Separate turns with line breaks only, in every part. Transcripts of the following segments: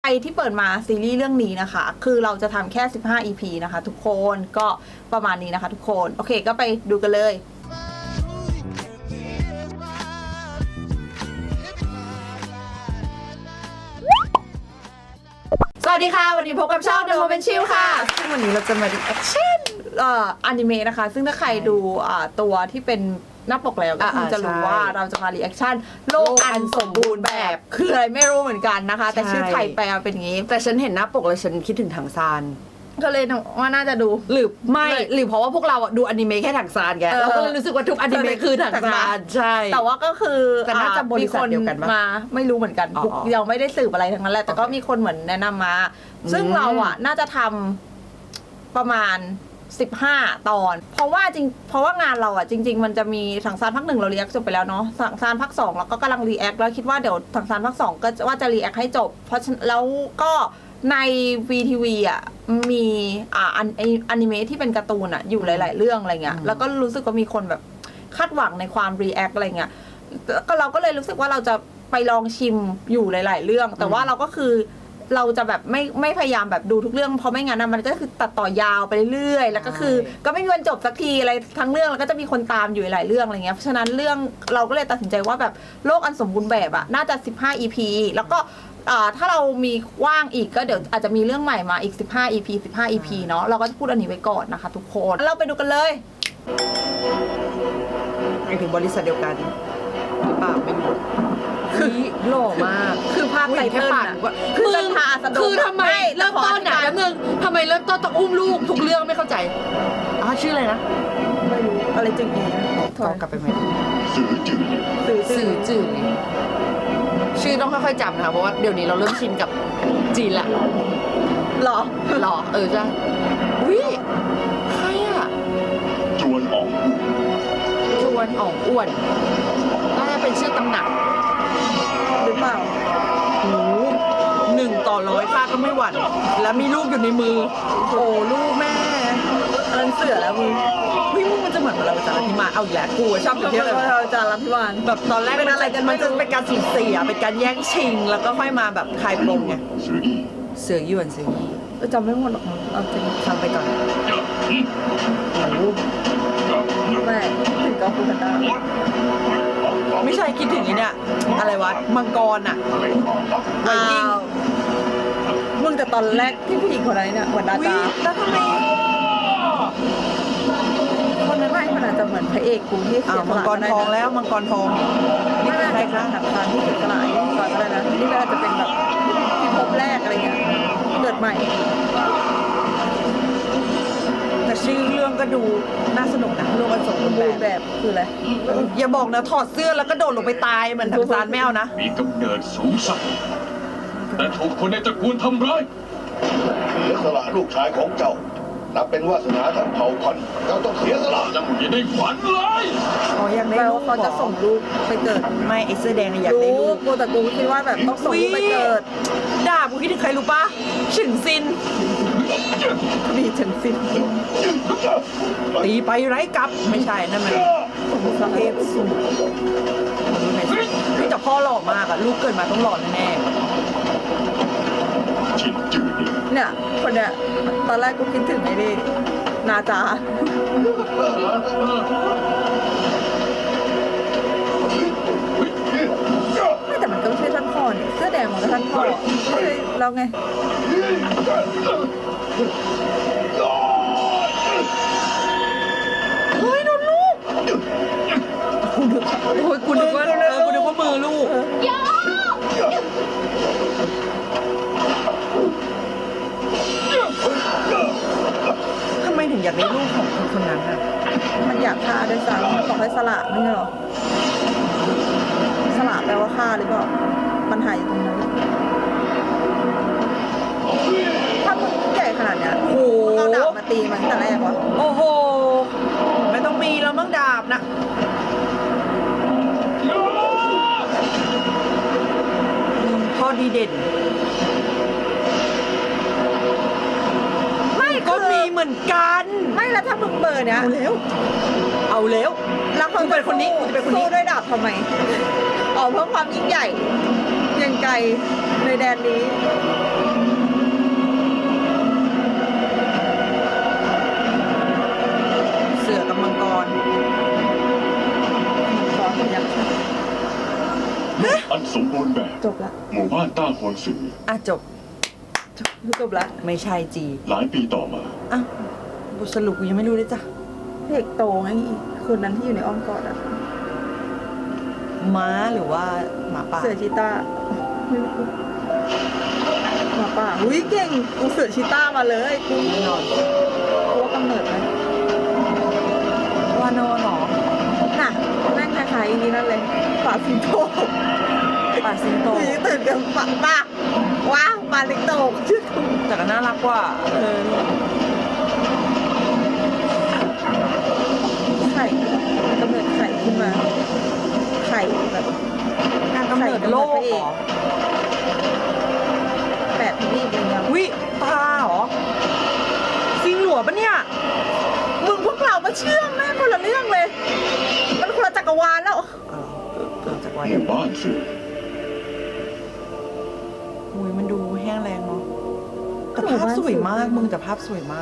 ที่เปิดมาซีรีส์เรื่องนี้นะคะคือเราจะทำแค่15 EP นะคะทุกคนก็ประมาณนี้นะคะทุกคนโอเคก็ไปดูกันเลยสวัสดีค่ะวันนี้พบกับช่อง The Moment Chill ค่ะซึ่งวันนี้เราจะมารีแอคชั่นอนิเมะนะคะซึ่งถ้าใครดูตัวที่เป็นหน้าปกแล้วก็คงจะรู้ว่าเราจะมารีแอคชั่นโลกอันสมบูรณ์แบบคืออะไรไม่รู้เหมือนกันนะคะแต่ชื่อไทยแปลเป็นอย่างนี้
แต่ฉันเห็นหน้าปกแล้วฉันคิดถึงถังซาน
ก็เลยว่าน่าจะดู
หรือไม่หรือเพราะว่าพวกเราดูอนิเมะแค่ถังซานแกเราก็เลยรู้สึกว่าทุกอนิเมะคือถังซานใช่
แต่ว่าก็คือ
แต่น่าจะบริษัทเดียวกัน
มาไม่รู้เหมือนกันยังไม่ได้สืบอะไรทั้งนั้นแหละแต่ก็มีคนเหมือนแนะนำมาซึ่งเราน่าจะทำประมาณ15 ตอนเพราะว่างานเราจริงๆมันจะมีถังซานภาค 1เรารีแอคจบไปแล้วเนาะถังซานภาค 2แล้วก็กำลังรีแอคแล้วคิดว่าเดี๋ยวถังซานภาค 2ก็ว่าจะรีแอคให้จบเพราะแล้วก็ใน VTV มีอนิเมะที่เป็นการ์ตูนอยู่หลายๆเรื่องอะไรเงี้ยแล้วก็รู้สึกว่ามีคนแบบคาดหวังในความรีแอคอะไรเงี้ยก็เราก็เลยรู้สึกว่าเราจะไปลองชิมอยู่หลายๆเรื่องแต่ว่าเราก็คือเราจะแบบไม่พยายามแบบดูทุกเรื่องเพราะไม่งั้นมันก็คือตัดต่อยาวไปเรื่อยๆแล้วก็คือก็ไม่มีวันจบสักทีอะไรทั้งเรื่องแล้วก็จะมีคนตามอยู่หลายเรื่องอะไรเงี้ยเพราะฉะนั้นเรื่องเราก็เลยตัดสินใจว่าแบบโลกอันสมบูรณ์แบบน่าจะ15 EP แล้วก็ถ้าเรามีว่างอีกก็เดี๋ยวอาจจะมีเรื่องใหม่มาอีก15 EP เนาะเราก็จะพูดอันนี้ไว้ก่อนนะคะทุกคนเราไปดูกันเลย
ไปถึงบริษัทเดียวกันหรือเปล่าไม่รู้คือหล่อมาก
คือภาพไตเติ้ล
คือจันทาสดคือทำไมเริ่มต้นแล้วมึงทำไมเริ่มต้นต้องอุ้มลูกทุกเรื่องไม่เข้าใจชื่ออะไรนะ
ไม่รู้อะไรจึงอี
ถอยกลับไปไหม
สื่อจืด
ชื่อต้องค่อยๆจำนะคะเพราะว่าเดี๋ยวนี้เราเริ่มชินกับจีนละ
หรอ
ใช่วิใคร
จวนอ๋อง
อ้วนน่าจะเป็นชื่อตำหนัก
หรือเปล่า
1/100ค่าก็ไม่หวั่นแล้วมีลูกอยู่ในมือโอ้ลูกแม่
อันเสือแล้วมึง
มันจะเหมือนเราจารัพิมานเอาอีกแล้วกูชอบเที่ยวเลย
เราจารัพิมาน
แบบตอนแรกเป็นอะไรกันมันจะเป็นการสูญเสียเป็นการแย่งชิงแล้วก็ค่อยมาแบบคลายปมไงเสือหยวน
จำไม่หมดหรอกเอาจริง
ฟังไปก่อน
แม่ถึงก็พูดกันได้
ไม่ใช่คิดถึงเนี่ยอะไรวะมังกรไวกิ้ง
มึงแต่ตอนแรกที่ผู้หญิงคนนั้นเนี่ยเหมือนดาจา
แล้วทำไม
คนนั้นไม่มันอาจจะเหมือนพระเอกกูที่เสีย
มังกรทองแล้วมังกรทอง
นี่เป็นใครคะถังซานที่เสียสละก่อนอะไรนะนี่มันอาจจะเป็นแบบที่พบแรกอะไรเงี้ยเกิดใหม่
แต่ชื่อเรื่องก็ดูน่าสนุกนะโลกอันสมบูรณ์แบบ
คืออะไร
อย่าบอกนะถอดเสื้อแล้วก็โดดลงไปตายเหมือนถังซานไม่เอานะ
มีกำเนิดสูงสักแต่ถูกคนในตระกูลทำร้าย
เสียสละลูกชายของเจ้านับเป็นวาสนาทั้งเผ่าพันธุ์เจ้าต้องเสียสละ
อย่าได้ฝันเลย
อยากได้ลูก
เขาจะส่งลูกไปเกิด
ไม่ไอเสื้อแดงอยากได้ลูก
กูแต่กูคิดว่าแบบต้องส่งลูกไปเกิด
ด่ากูคิดถึงใครรู้ปะฉึงซิน
ดีฉึงซิน
ตีไปไร้กับไม่ใช่นั่นมันเทพสุดนี่แต่พ่อหล่อมากลูกเกิดมาต้องหล่อแน่
เนี่ยคนเนี่ยตอนแรกกูคิดถึงไอ้นี่นาจาไม่แต่มันก็ไม่ใช่ท่านพ่อเนี่ยเสื้อแดงมันก็ท่านพ่อไม่ใช่เราไง
เฮ้ยโดนลูกกูนึกว่ามือลูกทำไมถึงอยากได้ลูกของคนนั้น
มันอยากฆ่าด้วยซ้ำบอกให้สละไม่ใช่หรอสละแปลว่าฆ่าหรือเปล่ามันหายตรงนั้นถ้ามึงใหญ่ขนาดเนี้ยเอาดาบมาตีมันตั้งแต่แรกวะ
โอ้โหไม่ต้องมีแล้วมั้งดาบนะพ่อดีเด่นก็มีเหมือนกัน
ไม่แล้วถ้ามึงเบอร์เนี้ย
เอาแล้ว
แล้วเขา
เป็นคนนี้
สู้ด้วยดาบทำไมเพื่อความยิ่งใหญ่ยังไกลในแดนนี้จบละ
หมู่บ้านต้าฮวนสือ
อ่ะจบ
จบละ
ไม่ใช่จี
หลายปีต่อมา
อ่ะบทสรุปกูยังไม่รู้เลยจ้ะ
เด็กโตไงคืนนั้นที่อยู่ในอ้อมกอดอะ
ม้าหรือว่าหมาป่า
เสือชีต้าไม่รู้หมาป่าอุ้ยเก่งกูเสือชีต้ามาเลยกู
แน่นอน
ตัวกำเนิดไหม
วานอนเหรอ
น่ะแม่งคล้ายๆอย่างนี้นั่นเลยป่าสิงโต
ป่าสิงโต
กูยังตื่นกันป่าว้าวป่าสิงโตชื่อกู
แต่ก็น่ารักกว่า
ไข่กำเนิดไข่ขึ้นมาไข่แบบ
การกำเนิดโลกเหรอ
8 ทวีปอะไรเงี้ย
วิตาเหรอซิงหลัวปะเนี่ย
มึงพวกเรามาเชื่อมแม่งคนละเรื่องเลย มันคนละจักรวาลแล้ว
จากวัน
หมู่บ้านสือ
อุ้ยมันดูแห้งแรงเนาะแต่ภาพสวยมากมึงแต่ภาพสวยมาก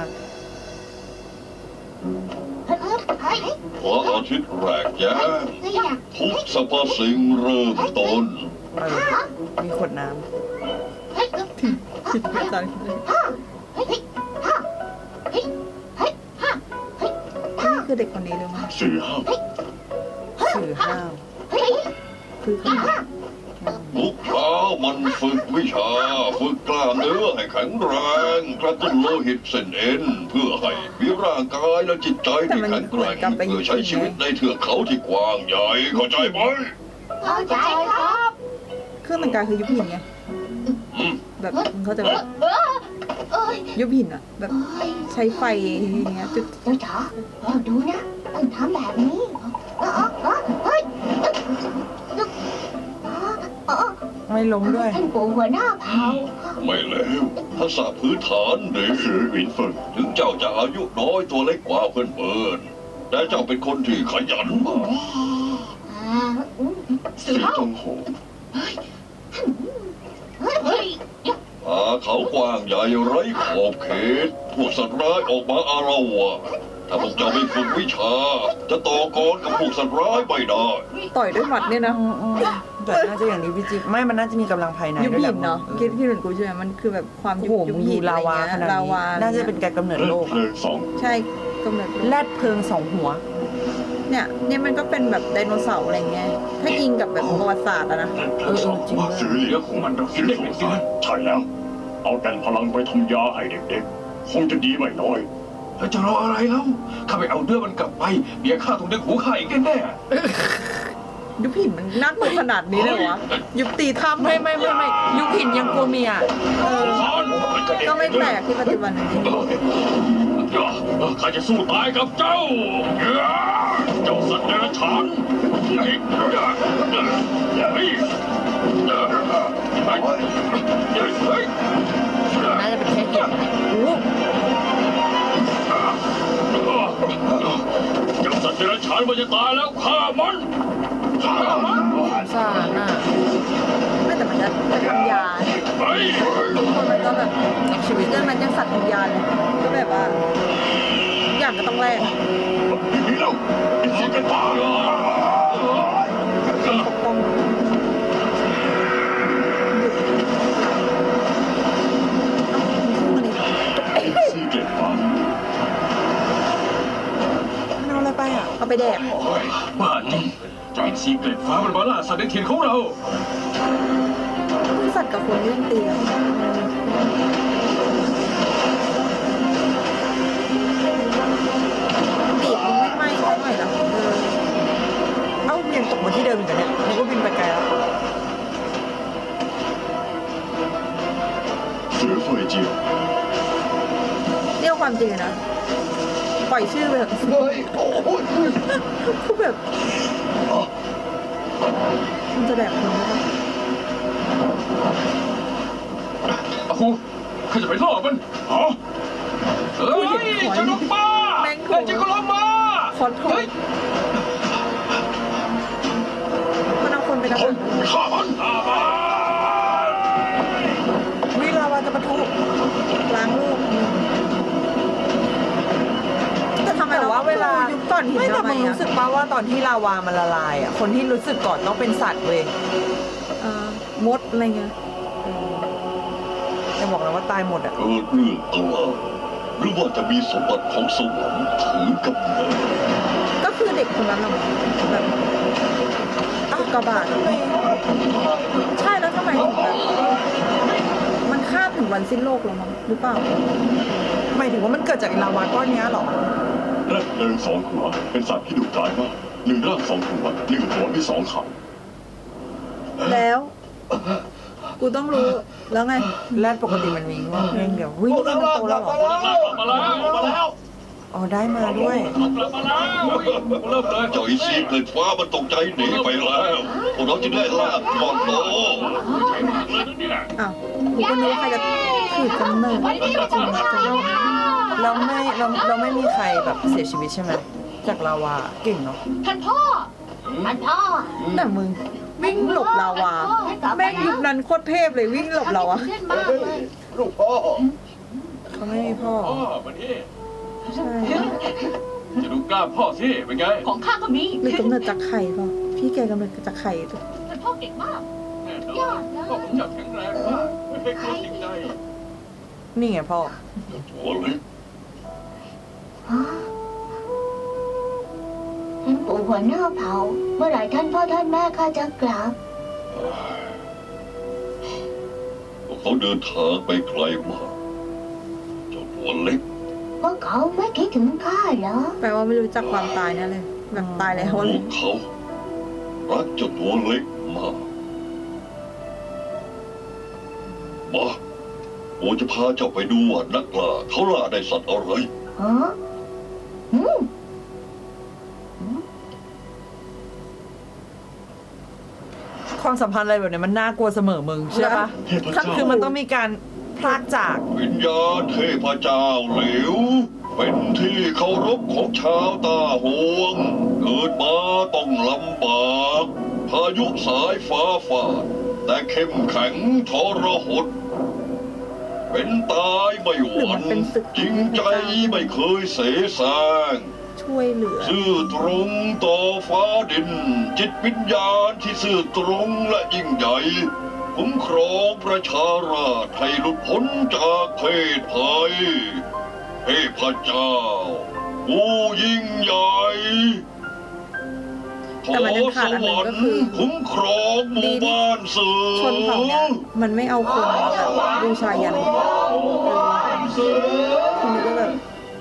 พระอาทิตย์แรกแย้มทุกสรรพสิ่งเริ่มต้น
มีขวดน้
คิดไปตอนนี้นี่คือเด็กคนนี้เลยมั้ย
สื่อห้าม
ำสื่อห้าม
คือเขา
ทุกเช้ามันฝึกวิชา ฝึกกล้ามเนื้อให้แข็งแรงกระตุ้นโลหิตเส้นเอ็นเพื่อให้มีร่างกายและจิตใจที่แข็งแกร่งเพื่อใช้ชีวิตในเทือกเขาที่กว้างใหญ่เข้าใจไหม
เข้าใจครับ
เครื่องแต่งกายคือยุบหินไง
อืม
แบบมึงเข้าใจไหม
เอ้ย
ยุบหินอะแบบ
เอ้ย
ใช้ไฟอย่างเงี้ยจุด
เจ้าจ๋าเราดูนะต้องทำแบบนี้เฮ้ย
ไม่ล้มด้วย
ท่านปู่หัวหน้าเผ่า
ไม่แล้วทักษะพื้นฐานเด็ก
สือหวินเฟิง
ถึงเจ้าจะอายุน้อยตัวเล็กกว่าเพื่อนๆแต่เจ้าเป็นคนที่ขยันมาก
สีจงโห
เฮ้ย
ป่าเขากว้างใหญ่ไร้ขอบเขต พวกสัตว์ร้ายออกมาอาละวาดถ้าพวกเจ้าไม่ฝึกวิชา จะต่อกรกับพวกสัตว์ร้ายไม่ได้
ต่อยด้วยหมัดเนี่ยนะ
แต่น่าจะอย่างนี้พี่จิ๊บไม่มันน่าจะมีกำลังภายใน
ยุบ
ด้วยแห
หิ
ละ
นเนาะคิดเหมือนกูใช่ไหมมันคือแบบความ
โอ้
ยุ
โห
บ
มึง
หิ
ดู
น
ลาวาขนาด
ลา
นี้
วา
น่าจะเป็นการกำเนิด
เล่
โล
น
ก
เพลิงสอง
ใช่กำเนิด
แรดเพลิงสองหัว
เนี่ยมันก็เป็นแบบไดโนเสาร์อะไรเงี้ยถ้ายิงกับแบบประวัติศาสตร์อะนะ
เล่นเพลิงสองว่าสือเหลียของมันเราคิดได้เป็นสารใช่แล้ว เอาแต่พลังไปทำยาให้เด็กๆ คงจะดีไม่น้อย
แล้วจะรออะไรแล้วข้าไปเอาเนื้อมันกลับไปเดี๋ยวข้าต้องดึงหูข้าอีกแน่
ยุบหินมันน่ากลัวขนาดนี้เลยวะยุบตีถ้ำ
ไม่ยุคหินยังกลัวเมีย
ก็ไม่แปลกที่ปัจจุบันนี้
ข้าจะสู้ตายกับเจ้า เจ้าสัตว์เดรัจฉาน
น่าจะเป็นแค่เห็นโอ้
เจ้าสัตว์เดรัจฉานมันจะตายแล้วฆ่ามันฆ่ามัน
สารน่ะ
ไม่แต่มันจะทำยา
ไป
ทุกคนมันก็แบบ
นักชีวิต
เรื่องมันยังสัตว์วิญญาณเลยก็แบบว่าทุกอย่างก็ต้องแลก
นี่แล้วอีกสิ่งกันตาย
ปกป้องหยุดสู้มันอีก
ซีเกตฟ้า
มันเอาอะไรไปอ่ะ
เอาไปแดก
ๆบ้าจริงจะเป็นซีเกรตฟ้ามันมาล่าสัตว์ในถิ่นของเรา
สัตว์กับคนเรื่องเตียงปีกมึงไม่ไหม้สักหน่อยเหรอ
เอ้ายังตกมาที่เดิมอีกเหรอเนี่ยนึกว่าบินไปไกลแล้ว
สือเฟยเจียว
เรียกความจริงนะปล่อยชื่อไปเถอะ
เฮ้ยโอ้ย
คือแบบมันจะแดกคนไหมวะ
อาคูข้าจะไปล่อมันฮะเฮ้ยเจ้าลูกป้าเฮ้ยเจ้าก็ลงมา
คอนโทรลมันเอาคนไปกับ
ฆ่ามัน
วิลาวาจะปะทุ
ล้างลูกแต่ทำไม
แต่
เรา
ว่าเวลา
ยุบก่อนหิน
ไม่แต่
ทำไม
มึง
อะ
รู้สึกป่าว่าตอนที่ลาวามันละลายอ่ะคนที่รู้สึกก่อนต้องเป็นสัตว์เว้ย
เออมดอะไรเงี้ย
จะบอกแล้วว่าตายหมดอ่ะ
เกิดเรื่องอะไรหรือว่าจะมีสมบัติของสวรรค์ถือกำเนิด
ก็คือเด็กคนนั้นน่ะแบบอุกกาบาตใช่แล้วทำไมถึงแบบมันข้ามถึงวันสิ้นโลกแล้วมั้งหรือเปล่า
หมายถึงว่ามันเกิดจากลาวาก้อนเนี้ยเหรอ
และเดินสองหัวเป็นสัตว์ที่ดุร้ายมากหนึ่งร่างสองหัวหนึ่งหัวมีสองขา
แล้ว กูต้องรู้แล้วไง
แรดปกติมันมีงอกเพียงเดียววิ่งนี่มันโตแล้วเหรอ
มาแล้ว
อ๋อได้มาด้วย
กลับมาแล้วเริ่มเลย
เจ้าอีซีเกิดฟ้ามันตกใจหนีไปแล้วพวกเราจะได้ลาบก่อนโต
ใช้มากเลยนะเนี่ย
อ้าวกูก็นึกว่าใครจะถือกำเนิดจริงจัง
เราไม่มีใครแบบเสียชีวิตใช่ไหมจากลาวาเก่งเนาะ
ท่านพ่อ
แต่มึงวิ่งหลบลาวาแม่งยุคนั้นโคตรเทพเลยวิ่งหลบเราอะ
เล่นมากเลย
ลูกพ่อ
เขาไม่มีพ่อ
พ่อมานี่
ใช่
จะดูกล้ามพ่อสิเป็นไง
ของข้าก็มี
หรือกำเนิดจากไข่เปล่าพี่แกกำเนิดจากไข่ตัว
ท่านพ่อเก่งมาก
แน่นอนพ่อผมจับแข็งแรงมากไม่เคยกลัวสิ่งใด
นี่ไงพ่อ
ตัวเล็ก
ท่านปู่หัวหน้าเผ่า เมื่อไหร่ท่านพ่อท่านแม่ข้าจะกลับ
พวกเขาเดินทางไปไกลมากเจ้าตัวเล็ก
พวกเขาไม่คิดถึงข้าเหรอ
แปลว่าไม่รู้จักความตายแน่เลยแบบตายแล้ว
พ
เล
วย กเขารักเจ้าตัวเล็กมากมาโอจะพาเจ้าไปดูว่านักล่าเขาล่าได้สัตว์อะไร
ฮะอืม
ความสัมพันธ์อะไรแบบเนี้ยมันน่ากลัวเสมอมึงเชื่อปะ
เทพเจ้า
คือมันต้องมีการพลากจาก
วิญญาณเทพเจ้าเหลว เป็นที่เคารพของชาวตาหวง เกิดมาต้องลำบากพายุสายฟ้าฟาด แต่เข้มแข็งทรหด เป็นตายไม่หวั่นจริงใจไม่เคยเสแสร้ง
ช่วยเหลือ
ซื่อตรงต่อฟ้าดิน จิตวิญญาณที่ซื่อตรงและยิ่งใหญ่คุ้มครองประชาราษฎร์ให้หลุดพ้นจากเพศภัยเทพเจ้าผู้ยิ่งใหญ่ข
แต่
อ
มันยัง
ส
ขาดอันห
ว
นึ่ง
รร
ก็
ค์
คือ
คุ้มครองหมู่บ้านเสือ
ชนเผ่าเนี้ยมันไม่เอาคนมาแบบบูชายันคุณนึกว่าแบบ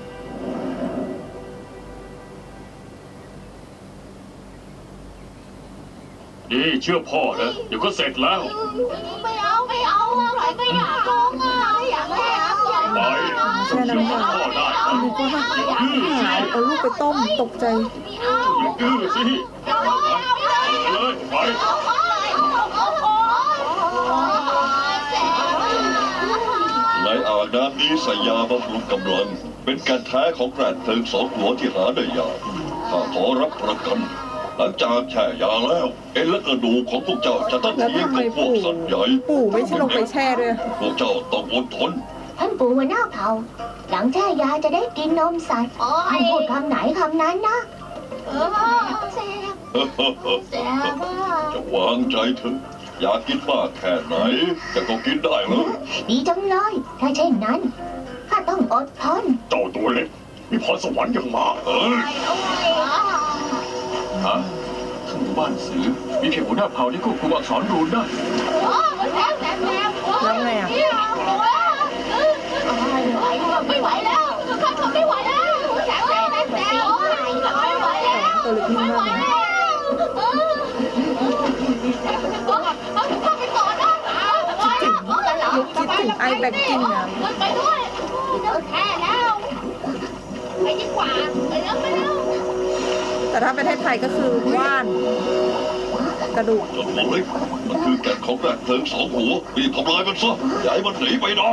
ดีเชื่อพ่อนะเดี๋ยวก็เสร็จแล้ว
ไม่เอาไม่ไหลไม่อยากลงอ่ะไม่อยากเล่นอยาก
ไป
แช่น้ำยา
พ่อได้
คุณนึกว่าหายเอาลูกไปต้มตกใจ
อย่าดื้อสิเลยไป
ในอ่างน้ำนี้ใส่ยาบำรุงกำลัง เป็นการแท้ของแกรนเพลิงสองหัวที่หาได้ยากข้าขอรับประกัน หลังจากแช่ยาแล้ว เอ็นและกระดูกของพวกเจ้าจะต้อง
แล้ว
เทียม
ทำไม
กับพวก
ปู่
สัตว์ใหญ่
ปู่ไม่ใช่ลงไปแช่ด้วย
พวกเจ้าต้องอดทน
ท่านปู่หัวหน้าเผ่า หลังแช่ยาจะได้กินนมสัตว์ท่านพูดคำไหนคำนั้นนะแซ่บ
จะวางใจเถอะอยากกินมากแค่ไหนแต่ก็กินได้เลย
ดีจังเลย ถ้าเช่นนั้นข้าต้องอดทน
เจ้าตัวเล็กมีพรสวรรค์อย่างมาก
เอ้ย
ฮะทั้งหมู่บ้านสือมีเพียงหัวหน้าเผ่าที่ควบคุมอักษรรูนได้
แล้วไงอ่ะ
ไม่ไหวแล้วข้าทนไม่ไหวแล้วแสบไม่ไหวแล้ว
ตัวเล็กนิ่งมากเลย
ข้าไปก่อนนะ
คิดถึงไอแบกกิ้งอะ
ไปด้วยเลิกแค่แล้วไปดีกว่าไปแล้วไปแล้ว
แต่ถ้าประเทศไทยก็คือว่านกระดูก
เจ้าตัวเล็กมันคือแก่นของแกรนเพลิงสองหัวรีบทำลายมันซะอย่าให้มันหนีไปได้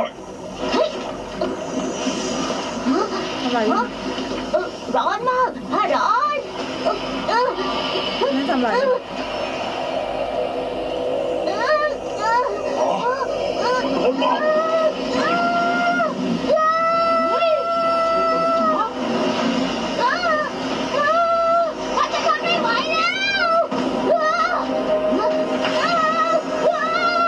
อะไร
ร้อนมากร้อน
ไม่ทำอะไร
คนมา
ข้าจะทนไม่ไหวแล้ว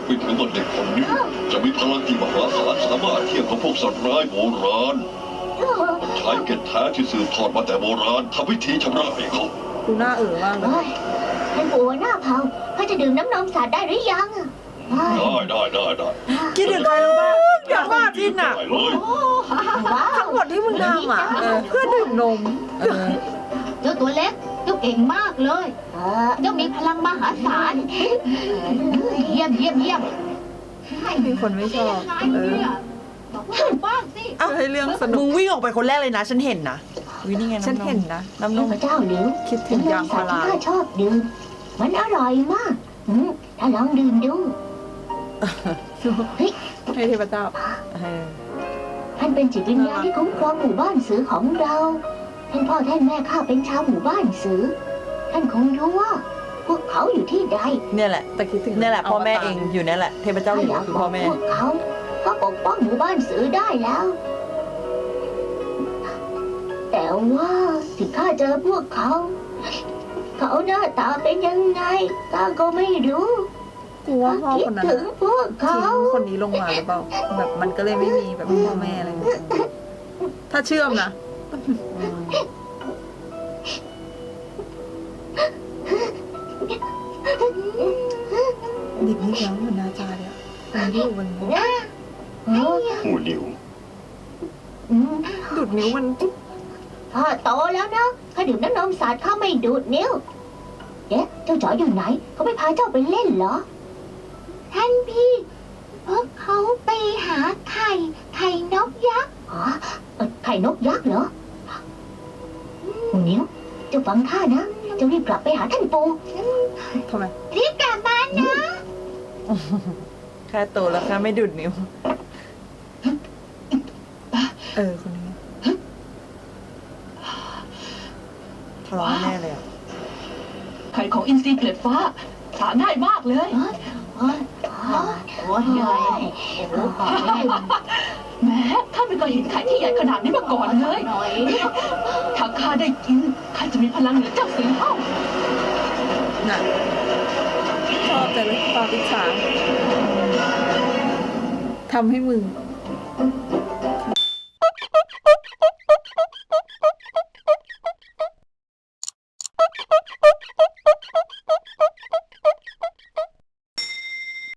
ไปถึงว่าเด็กคนนี้จะมีพลังที่มหาศาลสามารถเทียบกับพวกสัตว์ร้ายโบราณมันใช้เกล็ดแท้ที่สืบทอดมาแต่โบราณทำพิธีชำระให้เขา
ดูหน้ามากเลย
เฮ้ยท่านปู่หัวหน้าเผ่าเขาจะดื่มน้ำนมสัตว์ได้หรือยังอะเฮ้ย
ได้
คิดถึงใครรู้ป่ะอยากว่าจินอ่ะ
ได้เลย
ว้าว
ทั้งหมดที่มึงทำอ่ะเพื่อดื่มนม
เจ้าตัวเล็กเจ้าเก่งมากเลยเจ้ามีพลังมหาศาลเยี่ยม
มีคนไม่ชอบ
บอกว่าบ้างสิ
ให้เรื่องสนุ
มึ
ก
งวิ่งออกไปคนแรกเลยนะ ฉันเห็นนะวินี่ไง
ฉันเห็นนะ
น้ำนม
พระเจ้าหลิว
คิดถึงยางพารา
ที่ข้าชอบดื่มมันอร่อยมากถ้าลองดื่มดู
ให้เทพเจ้า
ท่านเป็นจิตวิญญาณที่คุ้มครองหมู่บ้านสือของเราท่านพ่อท่านแม่ข้าเป็นชาวหมู่บ้านสือท่านคงรู้ว่า พวกเขาอยู่ที่ใด
เนี่ยแหละ
แต่คิดถึง
เนี่ยแหละพ่อแม่เองอยู่เนี่ยแหละ เทพเจ้าหลิว
อยาก
คือ
บอก
พ่อแม่
พวกเขาก็ปกป้องหมู่บ้านสือได้แล้ว แต่ว่าที่ข้าเจอพวกเขา เขาหน้าตาเป็นยังไงข้าก็ไม่รู้
กูว่าพ่อ
คิด
คนนั้น
ถึงพวก
ทิ้
เขา
งคนนี้ลงมาหรือเปล่าแบบมันก็เลยไม่มีแบบพ่อแม่อะไรอย่างเงี้ยถ้าเชื่อมนะเด็กนี่แล้วเหมือนนาจาเลยอ่ะมันอยู่บนนี้
หูหลิว
ดูดนิ้วมัน
พ่อโตแล้วนะข้าดื่มน้ำนมสาดข้าไม่ดูดนิ้วเอ๊ะเจ้าจ๋ออยู่ไหน เขาไม่พาเจ้าไปเล่นเหรอ ท่านพี่ พวกเขาไปหาไข่นกยักษ์อ๋อไข่นกยักษ์เหรอหูนิ้วเจ้าฟังข้านะเจ้ารีบกลับไปหาท่านปู่
ทำไม
รีบกลับมานะ
แค่โตแล้วแค่ไม่ดูดนิ้ว
คนนี้
ทะเลาะแน่เลยอ่ะ
ไข่ของอินทรีเกล็ดฟ้าหาง่ายมากเลย
โอ้ยใหญ่
แม้ข้าไม่เคยเห็นไข่ที่ใหญ่ขนาดนี้มาก่อนเลย ถ้าข้าได้กินข้าจะมีพลังเหนือเจ้าสิงเอ้า
น่ะชอบแต่เลยความอิจฉาทำให้มึง